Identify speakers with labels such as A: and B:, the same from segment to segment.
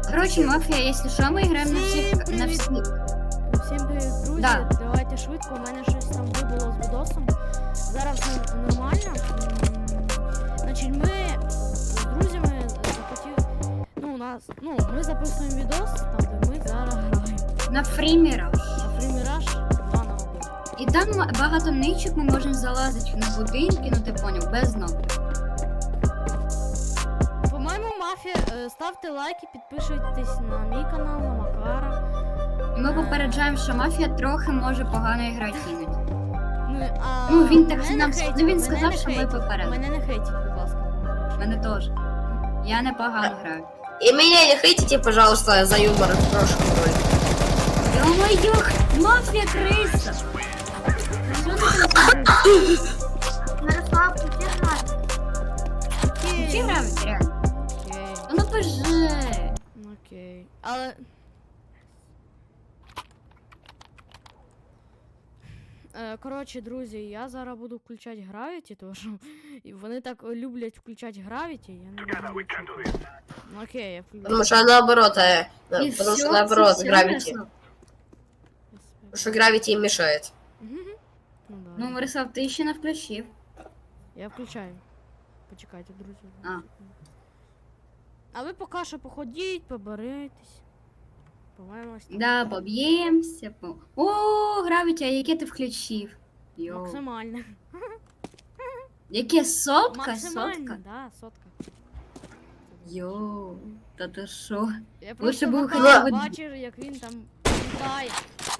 A: Короче, мафія, якщо що, ми граємо на всіх.
B: Всім привіт, друзі.
A: Да.
B: Давайте швидко, у мене щось там вибуло з відосом. Зараз все нормально. Значить, ми з друзями захотіли. Ми записуємо відос, там де ми зараз граємо.
A: На Free Mirage.
B: На Free Mirage 2 на 1.
A: І там багато ничок ми можемо залазити на будинки, ну ти поняв, без кнопки.
B: По-моєму, мафія, ставте лайки, підписуйтесь на мій канал, на Макара.
A: І ми попереджаємо, що мафія трохи може погано грати іноді.
B: Ну,
A: він так
B: мене
A: нам-
B: не хейтіть,
A: ну, він
B: мене
A: сказав,
B: не
A: що ми
B: хейтіть.
A: попередили.
B: Мене не хейтіть, будь ласка.
A: Мене теж. Я непогано граю.
C: И меня не хейтите, пожалуйста, за юмор в прошлом роли.
A: Йо-моє, мафія криса! Що ти там
D: Мирослав, ти граєш?
A: Ці грають, реально?
B: Окей.
A: Ну поже.
B: Окей. Але. Коротше, друзі, я зараз буду включати Gravity, тому що вони так люблять включати Gravity, я не знаю. Ну, окей, я включу.
C: Потому что наоборот,
A: І
C: потому
A: всё,
C: что наоборот,
A: це всё,
C: Gravity.
A: Мирослав?
C: Потому что Gravity им мешает.
B: Ну, да.
A: Ну, Мирослав, ти ще не включив.
B: Я включаю. Почекайте, друзі.
A: А.
B: А ви поки що походіть, поберитесь. По-моєму, ось так.
A: Да, поб'ємося. О, Гравіті, а яке ти включив? Йоу.
B: Максимально.
A: Яке сотка?
B: Максимально,
A: Сотка?
B: да, сотка.
A: Йоу, та ти що?
B: Я
A: Лучше
B: просто
A: б
B: Макара
A: хоча б-
B: бачив, як він там літає.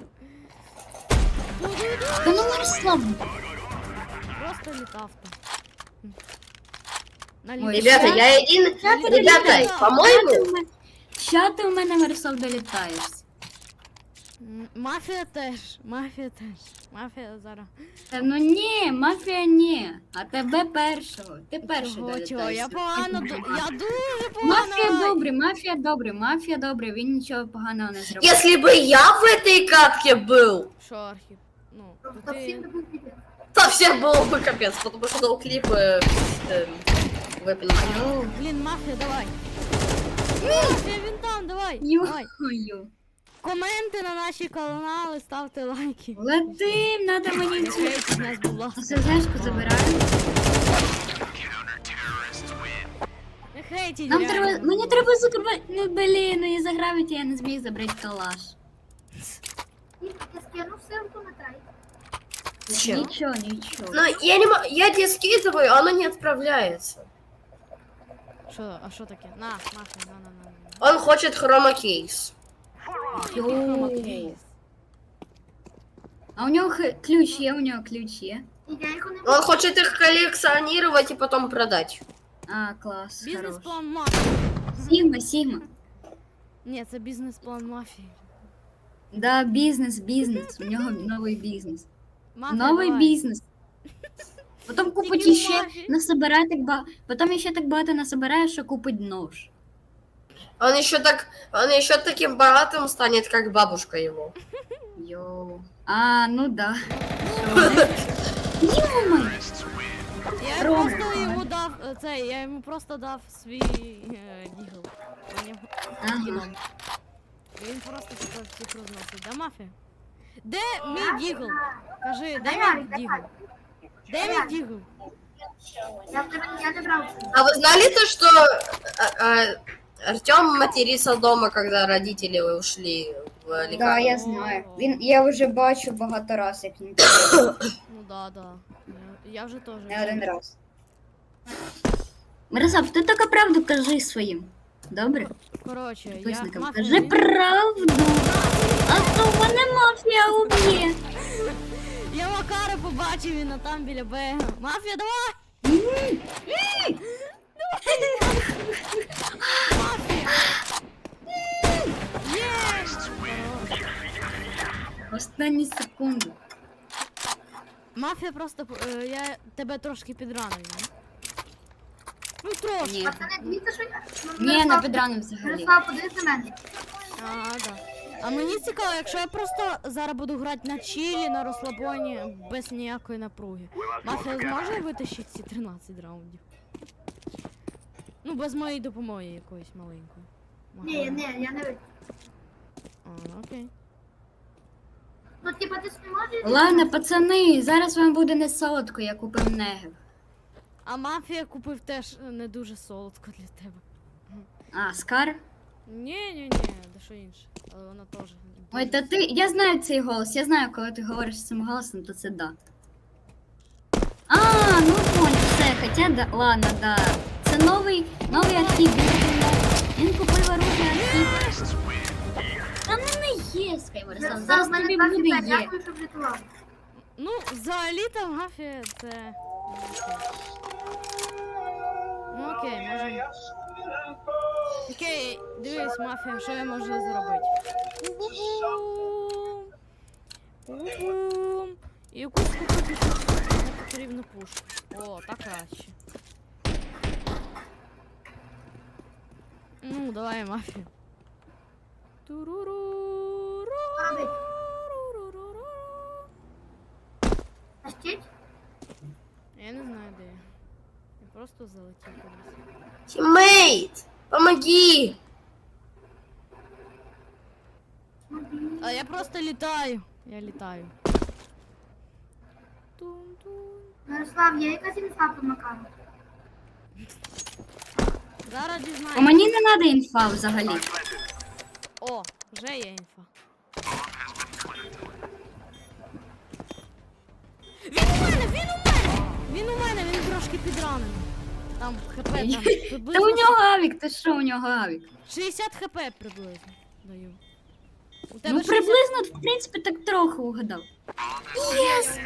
A: Та ну Мирослав!
B: Просто літав там.
A: Ой,
C: Ребята,
A: ща-
C: я один... Ребята, по-моему...
A: Що ти у мене, Мирослав, долітаєшся?
B: Мафія теж, мафія теж. Мафія зараз.
A: Та ну ні, мафія ні. А тебе першого. Ти перший
B: Чого,
A: долітаєшся.
B: чого? Я погано, я дуже погано.
A: Мафія добрий, мафія добрий, мафія добрий, він нічого поганого не зробив.
C: Если бы я в этой катке был,
B: Що, Архіп? Ну, то
D: Та всім
B: ти...
D: не був відео.
C: то всем было бы капец, потому что ноуклипы, вы понимаете.
A: Йоу,
B: Блін, мафія, давай. Мафія, він там, давай. Давай.
A: йо.
B: Коменти на наші канали, ставте лайки.
A: Летим, надо мені
B: Не
A: цю.
B: хейтіть нас, будь ласка.
A: СЗшку забираємо.
B: Не хейтіть,
A: Нам
B: реально.
A: треба, мені треба закривати, ну блін, ну і за Гравіті я не зміг забрати калаш.
D: Я скинув ссылку на трейд.
C: Зачем?
A: Нічого, нічого.
C: Ну, я не могу, я тебе скидываю, а оно не отправляется.
B: Що, а що таке? На, мафія, на.
C: Он хочет хромакейс.
A: Йоу. А у нього ключ є, у нього ключ є.
D: І я його не
C: Он хочет их коллекционировать и потом продать.
A: А, клас, хорош.
B: Бізнес-план мафії.
A: Сігма, Сігма.
B: Ні, це бізнес-план мафії.
A: Да, бізнес, у нього новий бізнес.
B: Мафія,
A: Новий
B: давай.
A: бізнес. Потім купить
B: Тільки
A: іще,
B: мафія.
A: насобирає так багато. Потім іще так багато насобирає, що купить нож.
C: Он еще таким богатым станет, как бабушка его.
A: Йоу. А, ну да. Йо-моє.
B: Я
A: Рома,
B: просто
A: давай.
B: йому дав я йому просто дав свій дігл.
A: Ага.
B: Він просто типу всіх розносить. Да, мафія? Де мій дігл? Кажи, де мій дігл? Де мій дігл?
D: Я не брав.
C: А вы знали то, что Артем матерится дома, когда родители ушли в лекарню?
A: Да, я знаю. Я вже бачу багато раз, як він
B: Ну да. Я вже теж.
A: не один раз. Мирослав, ти тільки правду кажи своїм. Добре?
B: Коротше, я
A: Підписникам.
B: мафія.
A: Кажи правду. А то мене мафія уб'є.
B: Я Макара побачив, він там біля Б. Мафія, давай! Є!
A: Останні секунди.
B: Мафія просто, я тебе трошки підранив, не? Ну трошки.
A: Ні.
D: Пацани, дивіться, що я...
A: Ні, не підранив взагалі.
D: Мирослав, подивись на мене.
B: Да. А мені цікаво, якщо я просто зараз буду грати на чилі, на розслабоні, без ніякої напруги. Мафія зможе витащити ці 13 раундів? Ну, без моєї допомоги якоїсь маленької.
D: Ні, я не вийду.
B: А, окей.
D: Ну, типа, ти ж не можеш...
A: Ладно, пацани, зараз вам буде не солодко, я купив негів.
B: А мафія купив теж не дуже солодко для тебе.
A: А, Скар?
B: Ні, де що інше. Але вона теж.
A: Ой, та ти. Я знаю цей голос, я знаю, коли ти говориш цим голосом, то це да. А, ну понял, все, хоча да. Ладно, да. Це новий архів. Він купив оружие архів. Та ну не є, Скайверсон, зараз
D: в мене
A: тобі
D: 2
A: буде
D: хп,
A: є.
D: дякую, що врятував.
B: Ну, взагалі-то мафія це. Ну окей, можемо. Окей, дивись, мафія, що я можу зробити. Пум-пум. І якусь купити не потрібну пушку. О, так краще. Ну, давай, мафія. Туруруру.
D: Робить. Тащить?
B: Я не знаю, де я. Я просто залетів кудись.
C: Тіммейт! Помоги!
B: А я просто літаю. Я літаю. Тун-тун.
D: Мирослав, є якась інфа по Макару?
B: Зараз
A: А
B: дізнаємося.
A: мені не треба інфа взагалі.
B: О, вже є інфа. Він у мене, він трошки підранений. Там хп там
A: Та
B: приблизно
A: у нього авік, ти що у нього авік?
B: 60 хп приблизно даю. У
A: Ну
B: 60
A: приблизно, в принципі, так трохи угадав.
B: Єс!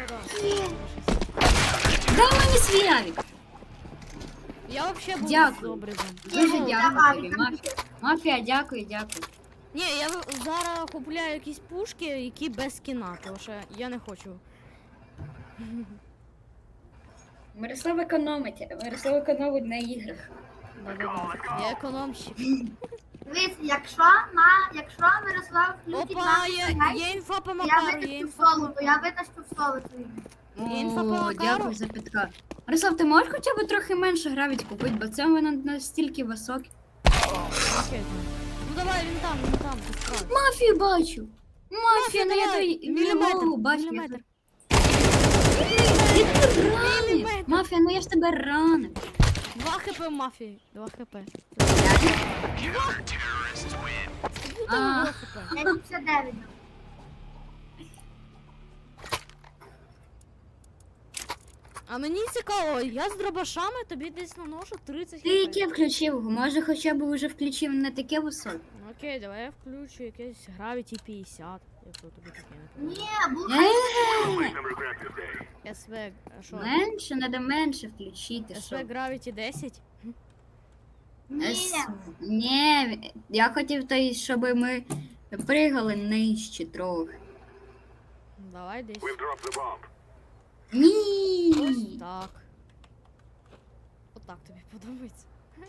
A: Дай мені свій авік.
B: Я взагалі був
A: Дякую.
B: з обрізом.
A: Дуже
D: Ну,
A: дякую
D: давай,
A: тобі,
D: там
A: Мафія. Мафія, дякую, дякую.
B: Ні, я зараз купляю якісь пушки, які без скіна, тому що я не хочу.
A: Мирослав економить на іграх.
B: Да-да-да. Я економщик.
D: Дивись, якщо Мирослав включить
B: Опа,
D: нашу
B: є
D: грай,
B: інфа по
D: я
B: Макару, є
D: витащу в
B: інфа по
D: соло, то я витащу в соло твої.
B: Інфа по
A: О,
B: Макару?
A: дякую за підказ. Мирослав, ти можеш хоча б трохи менше гравіть купити, бо це воно настільки високе.
B: Окей, там. Ну давай, він там, ти справді.
A: Мафію бачу. Мафія, ну я
B: давай,
A: той
B: міліметр,
A: голову бачу.
B: міліметр.
A: Ти тебе ранив.
B: Міліметр.
A: Мафія, ну я ж тебе ранив.
B: 2 хп мафії, 2 хп.
A: А.
B: Там 2 хп.
D: Я 59.
B: А мені цікаво, я з дробашами тобі десь наношу 30
A: Ти
B: хп.
A: яке включив? Може хоча б вже включив не таке високе?
B: Ну, окей, давай я включу якесь Gravity 50, якщо тобі таке не
D: Ні,
B: подобається.
A: Е,
B: СВ, що?
A: Менше, треба менше включити.
B: СВ
A: Що?
B: Gravity 10?
D: ні.
A: Ні, я хотів той, щоб ми пригали нижче трохи.
B: Давай десь. Ось
A: Ні.
B: так. Отак тобі подобається.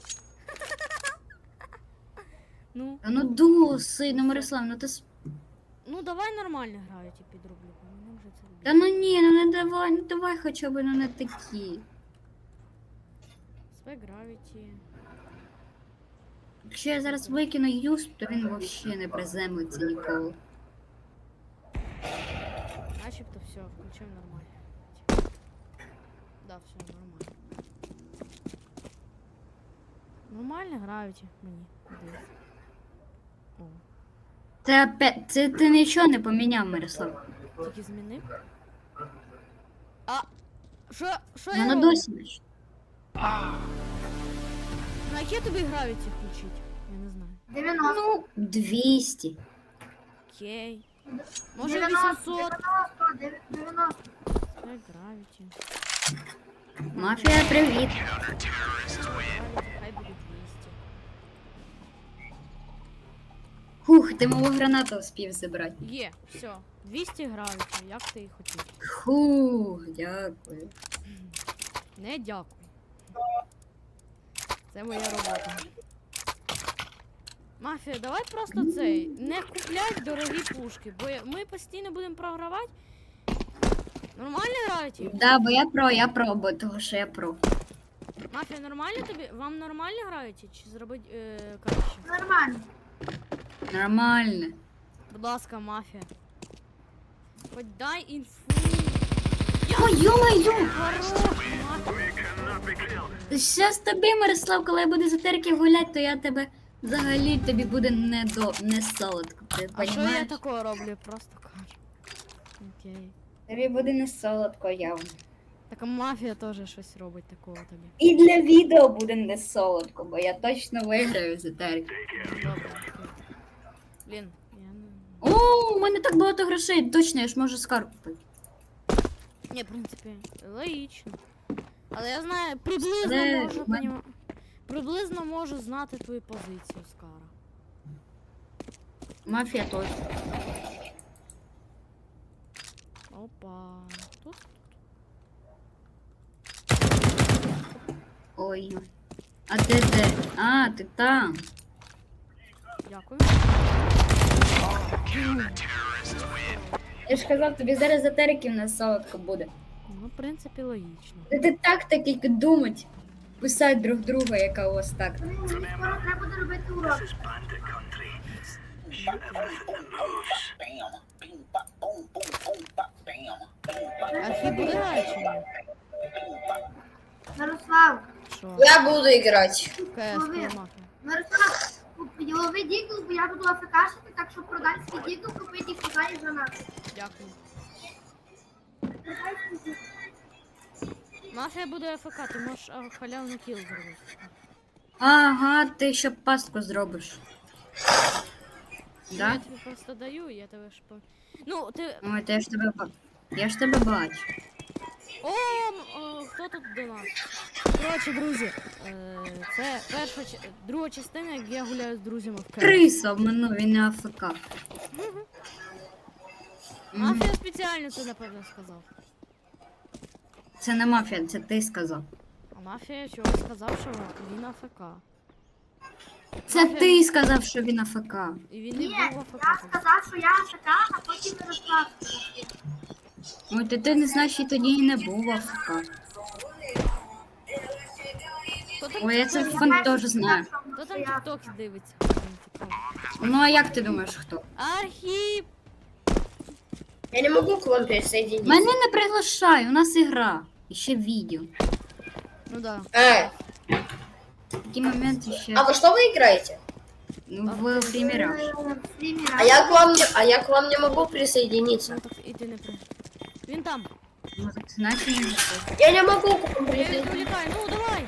B: Ну,
A: Та ну досить, ну Мирослав, ну ти
B: ну давай нормально Gravity підроблю, бо мене вже це
A: Та
B: робити.
A: ну ні, ну не давай, ну давай хоча б ну не такі.
B: СВ Gravity.
A: Якщо я зараз викину юсп, то він взагалі не приземлиться ніколи.
B: Начебто все, включив нормально. Да, все нормально. Нормально Gravity мені. Дивись. О,
A: Це ти нічого не поміняв, Мирослав.
B: тільки змінив. А, що
A: Я
B: я
A: на
B: роблю?
A: досі наче.
B: На яке тобі Gravity включить? Я не знаю.
D: 90.
A: Ну, 200.
B: Окей. Може
D: 90,
B: 800?
D: 90.
B: Це Gravity.
A: Мафія, привіт.
B: Gravity, хай буде 200.
A: Хух, ти мого гранату успів забрати.
B: Є, все. 200 Gravity, як ти і хотів.
A: Хух, дякую.
B: Не дякую. Це моя робота. Мафія, давай просто цей. Не купляй дорогі пушки, бо ми постійно будемо програвати. Нормально Gravity?
A: Да, бо я про, бо того, що я про.
B: Мафія, нормально тобі? Вам нормально грають? Чи зробить краще?
D: Нормально.
A: Нормально.
B: Будь ласка, мафія. Хоч дай інфу.
A: Ой, ё-моё!
B: Хорош, мафія.
A: Щас тобі, Мирослав, коли я буду за терки гуляти, то я тебе взагалі тобі буде не солодко. Ти
B: А що я
A: понімаєш?
B: такого роблю? Просто кажу. Окей.
A: Тобі буде не солодко явно.
B: Так а мафія теж щось робить такого тобі.
A: І для відео буде не солодко, бо я точно виграю за терки.
B: Добре, окей. Блін, я не.
A: О, у мене так багато грошей, точно, я ж можу скарб купити.
B: Ні, в принципі, логічно. Але я знаю, приблизно
A: Але
B: можу
A: в мене-
B: приблизно можу знати твою позицію, Скара.
A: Мафія точно.
B: Опа. Тут?
A: Ой. А ти де? А, ти там.
B: Дякую.
A: Я ж казав, тобі зараз за терків не солодко буде.
B: Ну, в принципі, логічно.
A: Ти так тільки думать. Писать друг друга, яка у вас так.
D: Мені скоро треба буде робити урок.
B: Архів буде грати чи ні?
D: Мирослав,
B: Що?
C: Я буду играть.
B: КС, коли мафія.
D: Мирослав, лови дігл, бо я буду АФКшити, так що продай свій дігл, купити і кидай за нас.
B: Дякую. Мафія буде АФК, ти можеш халявний кіл зробити.
A: Ага, ти ще пастку зробиш. Да?
B: Я тобі просто даю, я тебе ж по... Ну, ти...
A: Ой, то я ж тебе бачу.
B: Хто тут до нас? Коротше, друзі, це друга частина, як я гуляю з друзями в КС.
A: Криса обманув, він не АФК.
B: Мафія спеціально це, напевно, сказав.
A: Це не мафія, це ти сказав.
B: А мафія чогось сказав, що він АФК.
A: Це ти сказав, що він АФК.
B: І він
D: Ні,
B: не був
D: я
B: АФК.
D: сказав, що я АФК, а потім Мирослав.
A: Ой, ти не знаєш, і тоді і не був АФК.
B: Хто там
A: Ой, я це
B: тікток-
A: фон теж знаю.
B: Хто там тікток дивиться?
A: Ну а як ти думаєш, хто?
B: Архіп!
C: Я не могу к вам присоединиться.
A: Мене не приглашай, у нас ігра. І ще відео.
B: Ну да.
A: Такі моменти ще
C: А во что вы играете?
A: в примірах.
C: А я к вам не могу присоединиться.
B: Ну так і ти не при. Він там.
A: Ну, так значить не заходь.
C: Я не могу к вам
B: Я його
C: присоединиться.
B: відволікаю. Ну давай.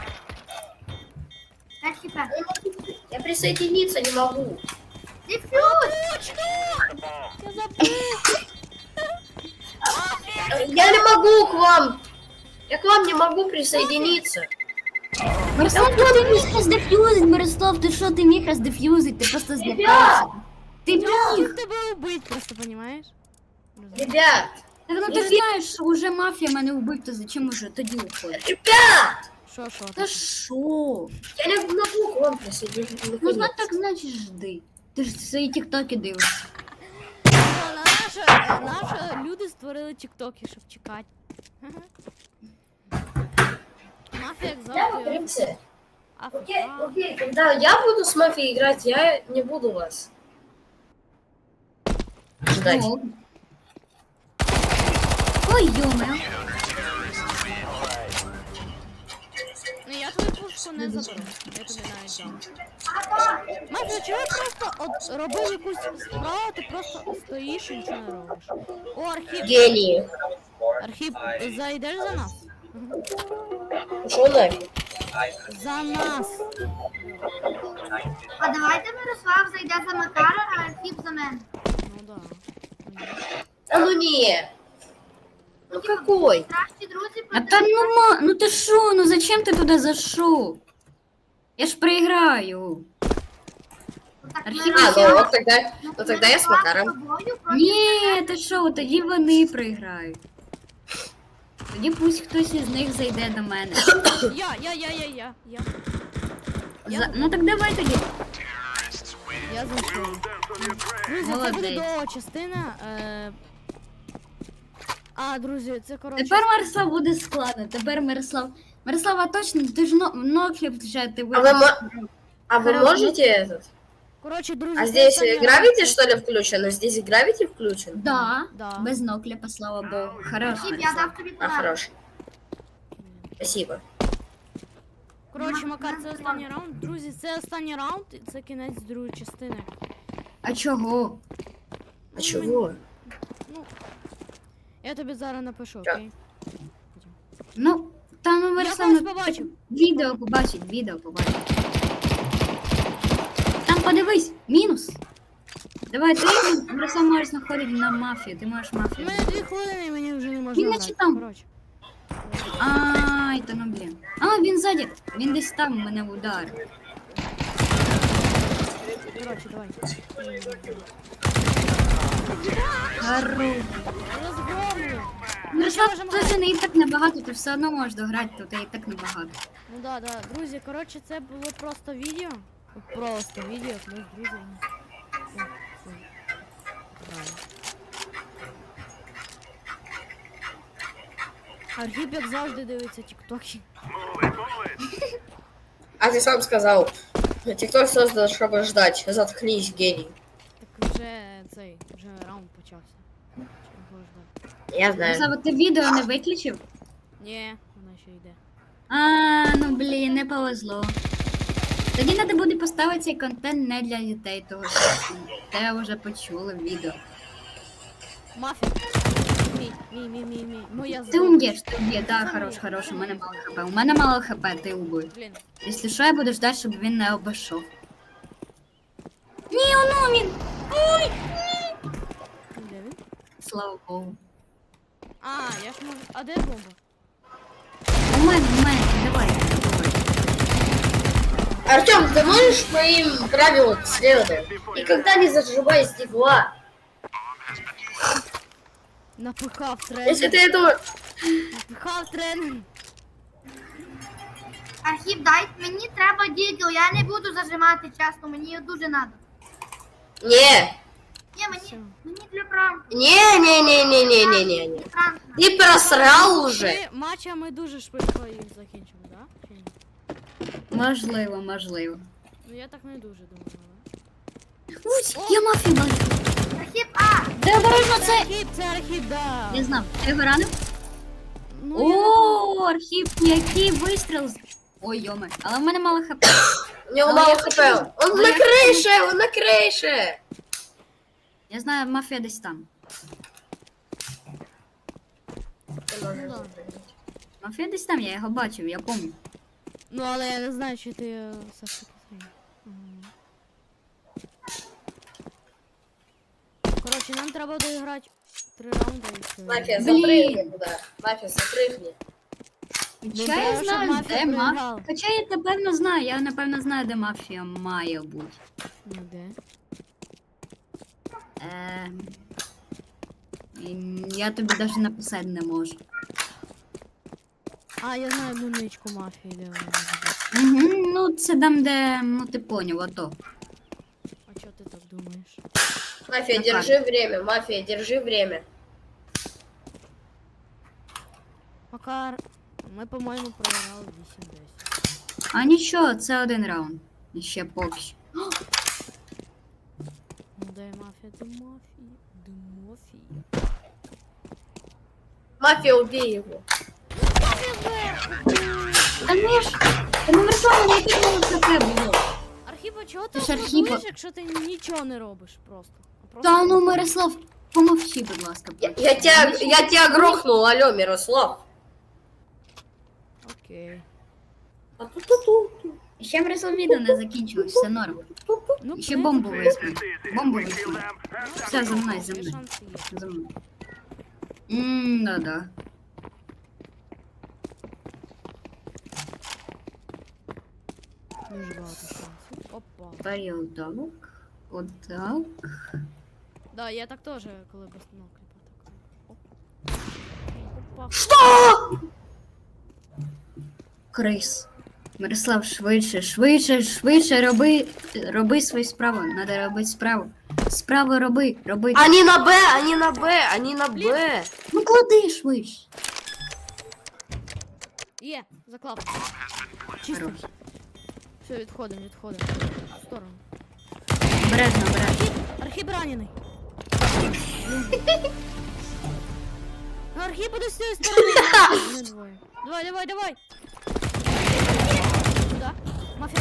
D: 5 хп.
C: Я присоединиться не могу.
B: Точно! Я забув.
C: Я не могу к вам. Я к вам не могу присоединиться.
A: Мирослав, ти міг роздеф'юзить, Мирослав, ти що, ти міг роздеф'юзить, ти просто злякався. Ти
B: Я
A: міг.
B: міг тебе убити, просто понімаєш?
C: Ребят,
A: Так, ну ти ж знаєш, що вже мафія мене вбив, то зачем уже тоді уходить?
C: ребят,
B: Що?
A: Та що?
C: я не могу к вам присоединиться.
A: Ну так значить жди. Ти ж свої тіктоки дивишся.
B: Наші люди створили тіктоки, щоб чекати. Мафія, як
C: Я в
B: завжди.
C: принципе. Окей,
B: АФК.
C: окей, когда я буду с мафией играть, я не буду вас ждать.
A: О. Ой, йоме.
B: Ну я твою пушку не заберу. Я тобі навіть дам. Мафія, чого просто от робив якусь справу, ти просто стоїш і нічого не робиш. О, Архіп,
C: Гении.
B: Архіп, зайдеш за нас?
C: Ушел нафиг.
B: За нас.
D: А давайте Мирослав зайде за Макара, а Архіп за мене.
B: Ну да.
C: А ну не. Ну какой?
D: Кращі друзі
A: А та ну ти що, ну зачем ти туди зайшов? Я ж проіграю. Архіп
C: А, ну тогда я с Макаром.
A: Ні, ти що, тоді вони проіграють. Тоді пусть хтось із них зайде до мене.
B: Я.
A: Ну так давай тоді.
B: Я зайшов. Друзі, це буде
A: Молодець.
B: довга частина. Друзі, це коротше.
A: Тепер Мирослав буде складно. Тепер Мирослав Мирослава, точно, ти ж нокліп вже ти
C: А вы,
A: вибрав.
C: а вы можете этот?
B: Коротше, друзі,
C: А
B: це
C: здесь
B: останній
C: гравити,
B: раунд.
C: что ли, включено? Здесь гравити включен?
A: Да,
B: Да.
A: без нокліпа, слава Богу. Хорош,
D: Хіп, я
A: Мирослав.
D: дав тобі
C: А,
D: подарок.
C: хорош. Спасибо.
B: Коротше, Макар, це останній раунд. Друзі, це останній раунд, і це кінець другої частини.
A: А чого?
C: А чего?
B: Ну, я тобі зараз напишу,
C: Так.
B: окей?
A: Ну, там ну,
B: Я
A: Мирослав,
B: когось
A: ну,
B: побачив.
A: відео побачить. Там подивись, мінус. Давай, ти Мирослав можеш знаходити на мафію, ти можеш
B: У
A: мафію.
B: мене 2 хвилини, і мені вже не можна
A: Він
B: грати.
A: наче там.
B: Коротше.
A: Ай, та ну блін. А, він ззаді. Він десь там мене ударив.
B: Коротше, давай.
A: Хорош.
B: Розгромлю.
A: Мирослав,
B: можемо
A: тут же не і так небагато, ти все одно можеш дограти, тут і так небагато.
B: Ну да, да. Друзі, коротше, це було просто відео. Просто відео, ми з друзями. Граємо. Архіп, як завжди, дивиться тіктоки.
C: А ты сам сказал. Тикток создан, чтобы ждать. Заткнись, гений.
B: Так вже раунд почався. Чого ждати?
C: Я знаю.
A: Мирослав, ти відео не виключив?
B: Ні, вона ще йде.
A: А, ну блін, не повезло. Тоді треба буде поставити цей контент не для дітей, того що те вже почули в відео.
B: Мафія. Мій. Моя
A: Ти
B: зброя.
A: ум'єш, да, хорош, у мене мало хп. У мене мало хп, ти убий.
B: Блін.
A: Якщо що, я буду ждати, щоб він не обійшов. Ні, воно він!
B: Де він?
A: Слава Богу.
B: А, я ж можу. А де бомба?
A: У мене, давай.
C: Артем, ты можешь моим правилам следовать? Никогда не зажимай стекла.
B: Напихав
C: Если
B: тренер.
C: ты этого...
B: Напихав тренер.
D: Архіп, дай, мені треба дігл, я не буду зажимати, чесно, мені дуже надо.
C: Не.
D: Ні,
B: Все.
D: мені для пранку.
C: Не.
D: Пранк.
C: Ты просрал уже.
B: Матча ми дуже швидко їх закінчимо, да? Чи ні?
A: Можливо.
B: Ну я так не дуже думаю.
A: Ось, я мафію бачу.
D: Архіп, а!
A: Де обережно
B: Це
A: це?
B: архіп, це архіп, да.
A: Я знав. Ти його ранив?
B: Ну, я
A: О, архів, який вистріл. Ой, йоме, але в мене мало хп.
C: У него
A: А
C: мало
A: я
C: хп.
A: хочу-
C: Он
A: а
C: на
A: я
C: крыше, он на крыше.
A: Я знаю, мафія десь там.
B: да.
A: Мафія десь там, я його бачив, я пам'ятаю.
B: Ну, але я не знаю, чи ти все ж таки зрозумів. Коротше, нам треба доіграти 3 раунди і все.
C: Мафия,
A: Блин.
C: запрыгни туда. Мафия, запрыгни.
A: Хоча
B: треба,
A: я
B: щоб
A: знаю,
B: мафія
A: де
B: проіграла.
A: мафія. Хоча я напевно знаю, знаю, де мафія має бути.
B: Ну, де?
A: Я тобі навіть написати не можу.
B: А, я знаю одну ничку мафії, де вона може бути.
A: Угу, ну це там, де, ну ти поняв, ото.
B: А чого ти так думаєш?
C: Мафия,
A: На
C: держи время. Мафия, держи время.
B: Макар, ми, по-моєму, програли 8-10.
A: А нічого, це один раунд. І ще поки що.
B: Ну, де мафія, де мафія, де мафія.
C: Мафия, убей его.
A: Та не ж, та не Мирослава, не підмовив хп було.
B: Архіпа, чого ти
A: Ти ж
B: аплодуєш,
A: Архіпа.
B: якщо ти нічого не робиш просто? А просто
A: Та ну, Мирослав, помовчи, будь ласка.
C: Я тебя грохнул, алло, Мирослав.
B: Окей.
C: А ту-ту-ту.
A: Ще Мирослав відео не закінчилось, все норм.
B: Ну,
A: Ще
B: в
A: бомбу
B: принципі,
A: візьму. Бомбу візьму.
B: ну,
A: Все, за мною, за
B: є
A: мною.
B: шанси є.
A: За мною. Да.
B: Дуже багато шансів. Опа.
A: Порядок. Отак.
B: Да, я так теж, коли без нокліпа так. Оп. Опа.
C: Что?
A: Крис. Мирослав, швидше роби свою справу. Надо робити справу. Справу роби.
C: Они на Б, они на Б, они на Б.
A: Ну клади швидше.
B: Є, заклав. Чисто.
A: Хорош.
B: Все, відходимо. В сторону.
A: Обережно, обережно.
B: Архіп ранений. Архіп буде з цієї сторони. Не двоє. Давай. Сюда. Мафія.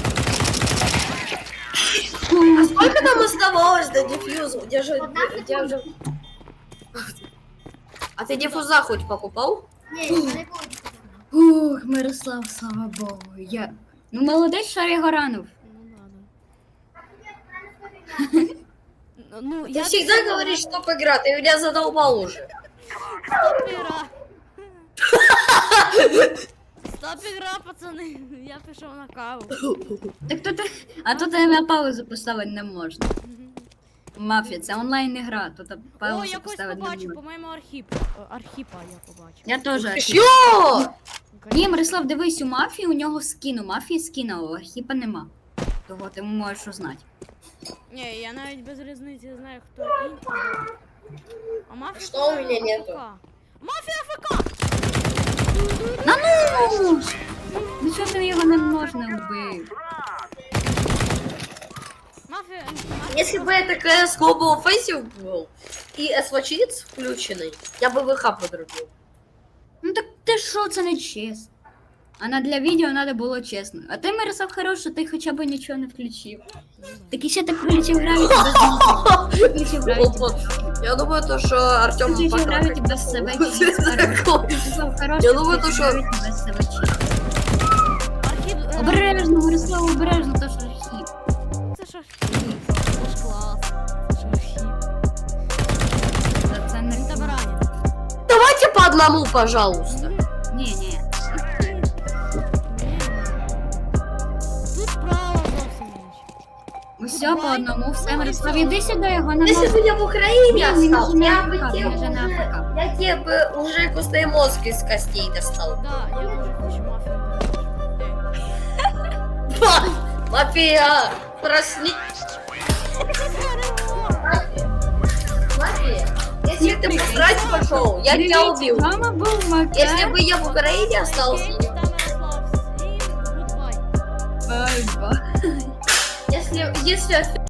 C: А сколько нам оставалось до дефьюза? Где же... А ты диффуза хоть покупал?
D: Ні, не буде.
A: Ух, Мирослав, слава Богу. Ну, молодець, що його ранив.
B: Ну,
C: Ты всегда говоришь, что игра, ты меня задолбал уже.
B: Стоп ігра, пацани. Я пішов на каву.
A: Так а тут на паузу поставити не можна. Мафія, це онлайн ігра, тут
B: О,
A: паузу
B: я когось
A: поставити не
B: побачив,
A: можна.
B: по-моєму, Архіпа я побачив.
A: Я теж.
C: Чё?
A: Ні, Мирослав, дивись, у мафії у нього скін, у мафії скін, а у Архіпа нема. Того ти можеш узнати.
B: Ні, я навіть без різниці знаю, хто інший. А мафія...
C: Что у меня нету?
B: АФК. Мафія АФК!
A: На ну! Ну чого ти його не можна вбив?
B: Мафія...
C: Если бы это CS Global Offensive был и СВЧиц включенный, я бы ВХ подрубил.
A: Ну так ти що, це не чесно. А для відео треба було чесно. А ти, Мирослав, хорош, що ти хоча б нічого не включив. Так і ще ти включив гравіті без нього. Включив гравіті.
C: Опа. Я думаю, то, что Артем
A: Включив гравіті без себе. Мирослав, хорош,
C: Я думаю, то,
A: включив
C: що...
A: гравіті без себе.
B: Архіп...
A: Обережно, Мирослав, обережно, то що хіп.
B: Це ж Архіп. Це ж клас. Це ж Архіп.
A: Це
B: Він
A: не...
B: тебе ранить.
C: Давайте по одному, пожалуйста.
A: Ні.
B: Тут право зовсім інше.
A: Усе по одному, все, Мирослав, іди сюди, його не
C: Если
A: можна.
C: бы я в Украине
A: Не,
C: остался,
A: не
C: я
A: на
C: бы
A: АФК,
C: тебе
A: не на
C: уже...
A: АФК.
C: Я тебе бы уже костный мозг из костей достал.
B: Да, я дуже хочу мафію.
C: Мафия, проснись. Мафия, если ты посрать пошел, я тебя убил.
A: Мама був Макар.
C: Если бы я в Украине остался,
B: Окей, там Ярослав. Всім гудбай.
A: Бай-бай.
C: если